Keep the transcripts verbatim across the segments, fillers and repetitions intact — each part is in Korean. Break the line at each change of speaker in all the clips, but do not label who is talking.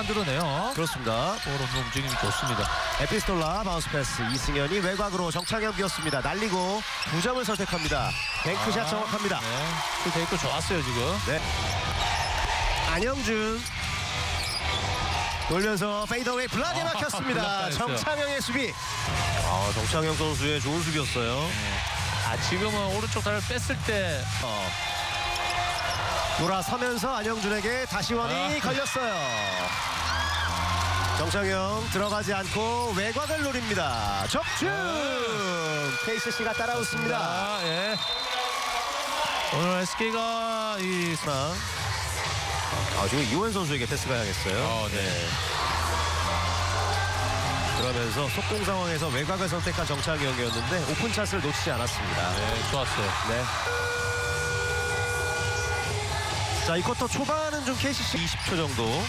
만들어내요.
그렇습니다.
볼 없는 움직임이 좋습니다.
에피스톨라 바운스 패스. 이승현이 외곽으로 정창현 비었습니다. 날리고 두 점을 선택합니다. 뱅크샷
아,
정확합니다.
네. 그 데이터 좋았어요 지금.
네. 안영준 돌면서 페이더웨이 블락에
아,
막혔습니다.
블락당했어요.
정창영의 수비. 아, 정창영 선수의 좋은 수비였어요.
네. 아 지금은 오른쪽 다리를 뺐을 때
어. 돌아서면서 안영준에게 다시 원이
아.
걸렸어요. 정창영 들어가지 않고 외곽을 노립니다. 적중. 케이씨씨가 따라웃습니다.
아, 예. 오늘 에스케이가 이
아, 지금 이호연 선수에게 패스가 향했어요.
어, 네.
그러면서 속공 상황에서 외곽을 선택한 정창영이었는데 오픈 찬스를 놓치지 않았습니다.
네, 좋았어요.
네. 자, 이 쿼터 초반은 좀 케이씨씨 이십 초 정도.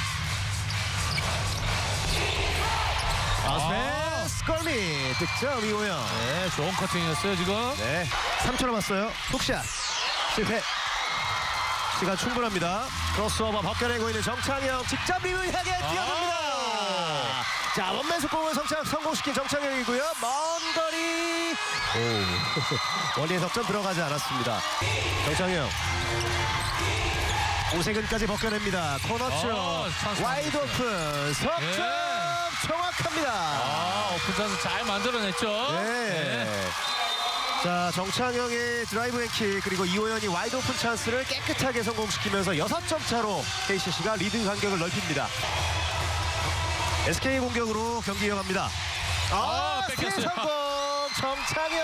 아.
스컬리 득점 이호연.
네, 좋은 커팅이었어요 지금.
네. 삼 초 남았어요. 훅샷 실패. 시간 충분합니다. 크로스오버 벗겨내고 있는 정창영 직접 리뷰 향해 뛰어듭니다.
아.
자, 원맨 속공을 성창, 성공시킨 정창영이고요. 먼 거리. 오. 원리의 석점 들어가지 않았습니다. 정창영. 오세근까지 벗겨냅니다. 코너 쪽.
어, 찬스
와이드
만들었어요.
오픈. 석점
예.
정확합니다.
아, 오픈 찬스 잘 만들어냈죠.
네. 자, 정창영의 드라이브 앤킥 그리고 이호연이 와이드 오픈 찬스를 깨끗하게 성공시키면서 여섯 점 차로 케이씨씨가 리드 간격을 넓힙니다. 에스케이 공격으로 경기 이어갑니다. 아,
아, 뺏겼어요.
스틸 성공 정창영.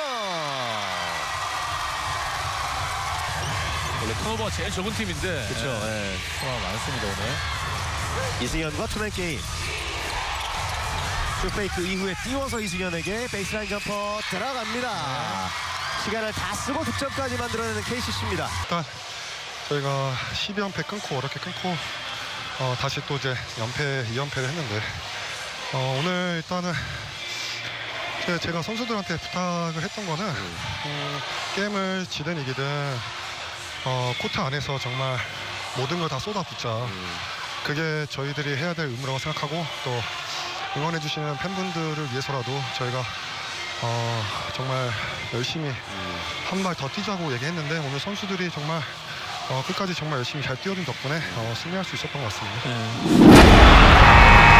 원래 턴오버가 제일 적은 팀인데.
그렇죠.
네. 턴오버 많습니다 오늘.
이승현과 투맨 게임. 슈페이크 이후에 띄워서 이승현에게 베이스라인 점퍼 들어갑니다.
네.
시간을 다 쓰고 득점까지 만들어내는 케이씨씨입니다.
일단 저희가 십이 연패 끊고 어렵게 끊고 어, 다시 또 이제 연패 이 연패를 했는데 어, 오늘 일단은 제- 제가 선수들한테 부탁을 했던 거는 음, 게임을 지든 이기든 어, 코트 안에서 정말 모든 걸 다 쏟아붓자. 그게 저희들이 해야 될 의무라고 생각하고 또 응원해 주시는 팬분들을 위해서라도 저희가 어, 정말 열심히 한 발 더 뛰자고 얘기했는데 오늘 선수들이 정말 어, 끝까지 정말 열심히 잘 뛰어준 덕분에 어, 승리할 수 있었던 것 같습니다.
네.